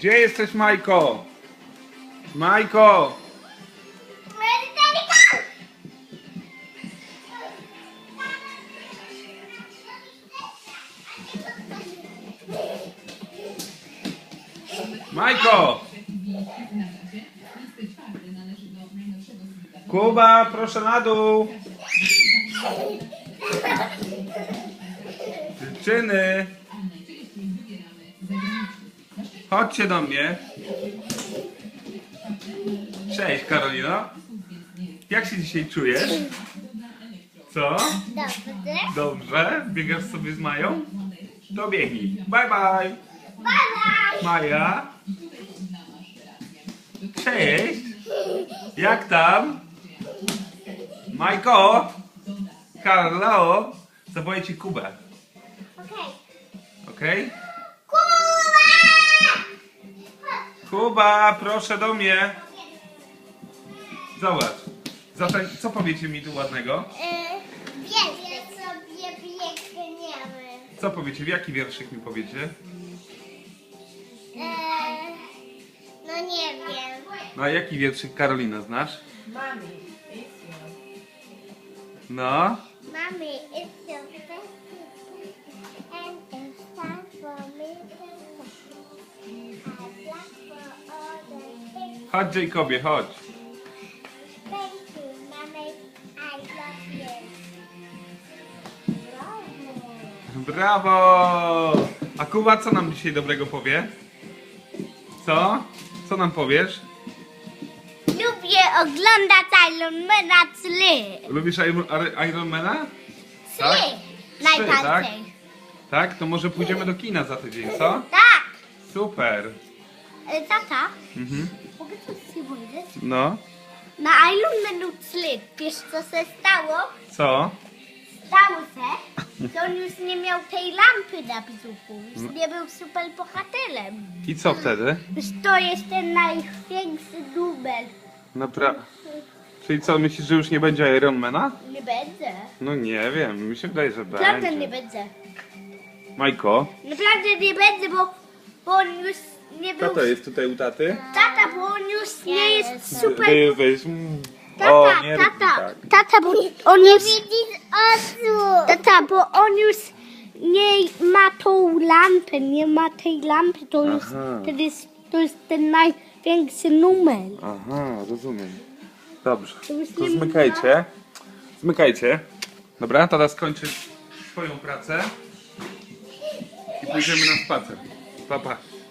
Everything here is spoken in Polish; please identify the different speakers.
Speaker 1: Gdzie jesteś, Majko? Majko! Majko! Kuba, proszę na dół! Dziewczyny! Chodźcie do mnie. Cześć, Karolino. Jak się dzisiaj czujesz? Co?
Speaker 2: Dobrze.
Speaker 1: Dobrze? Biegasz sobie z Mają? To biegnij. Bye, bye.
Speaker 2: Bye bye.
Speaker 1: Maja? Cześć! Jak tam? Majko? Karlo? Zawołaj ci Kubę.
Speaker 2: Okej.
Speaker 1: Okej?
Speaker 2: Kuba!
Speaker 1: Kuba, proszę do mnie. Zobacz. Co powiecie mi tu ładnego?
Speaker 2: Wiecie sobie biegniemy.
Speaker 1: Co powiecie? W jaki wierszyk mi powiecie?
Speaker 2: No nie wiem.
Speaker 1: No a jaki wierszyk, Karolina, znasz?
Speaker 3: Mommy, it's you.
Speaker 1: No.
Speaker 2: Mommy, it's your birthday and it's time for me to I plan for all the things.
Speaker 1: Chodź, Jacobie, chodź.
Speaker 2: Thank you, Mommy. I love you. Brawo.
Speaker 1: Brawo! A Kuba co nam dzisiaj dobrego powie? Co? Co nam powiesz?
Speaker 2: Lubię oglądać Ironmana 3.
Speaker 1: Lubisz Ironmana? Tak?
Speaker 2: 3.
Speaker 1: Tak?
Speaker 2: Najbardziej.
Speaker 1: Tak? To może pójdziemy do kina za tydzień, co?
Speaker 2: Tak.
Speaker 1: Super.
Speaker 2: Tata,
Speaker 1: Mhm.
Speaker 2: mogę coś ci powiedzieć?
Speaker 1: No.
Speaker 2: Na Ironmanu 3, wiesz co się stało?
Speaker 1: Co?
Speaker 2: Stało się, że on już nie miał tej lampy na brzuchu. Już nie był super bohaterem.
Speaker 1: I co wtedy?
Speaker 2: Już to jest ten największy numer.
Speaker 1: Czyli co, myślisz, że już nie będzie Ironmana?
Speaker 2: Nie będzie.
Speaker 1: No nie wiem, mi się wydaje, że
Speaker 2: Naprawdę nie
Speaker 1: będzie.
Speaker 2: będzie.
Speaker 1: Majko,
Speaker 2: Naprawdę nie będzie, bo on już nie był...
Speaker 1: kto to jest tutaj u taty?
Speaker 2: Tata, bo on już nie jest super...
Speaker 1: Weź.
Speaker 2: Tata,
Speaker 1: nie rób
Speaker 2: tata,
Speaker 1: tak.
Speaker 2: tata, bo on już... Tata, bo on już nie ma tą lampę, nie ma tej lampy, to już
Speaker 1: Aha.
Speaker 2: to jest ten największy numer.
Speaker 1: Aha, rozumiem. Dobrze,
Speaker 2: To już
Speaker 1: to
Speaker 2: nie
Speaker 1: zmykajcie. Zmykajcie. Dobra, tata skończy swoją pracę i pójdziemy na spacer. Pa, pa.